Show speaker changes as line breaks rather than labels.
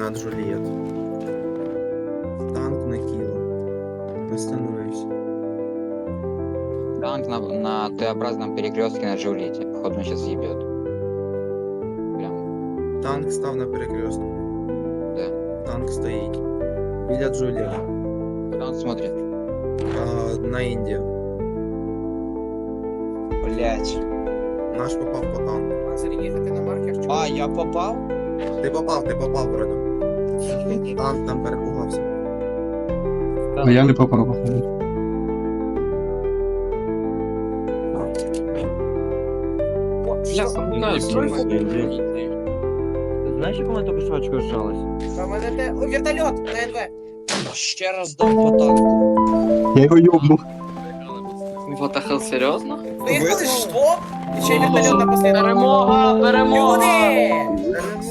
на Джульет. Танк на Кило. Остановился.
Танк на Т-образном перекрестке на Джульетте. Походу, он сейчас съебет. Прям.
Танк став на перекрестку.
Да.
Танк стоїть. Біля Джулієта.
Куда он смотрит?
На Індію.
Блять.
Наш попав по танку.
Їхати на маркер.
А, я попал?
Ти попав вроде. Танк там перепугався.
А я не попав, походу.
Знаешь, як у мене тільки що очко сжалось?
Вертольот на НВ.
Ще раз дам по танку.
Я його йобнув.
Вот ахал, серйозно?
Виїхали, що? І ще й вертольот напоследок.
Перемога! Перемога!
Люди!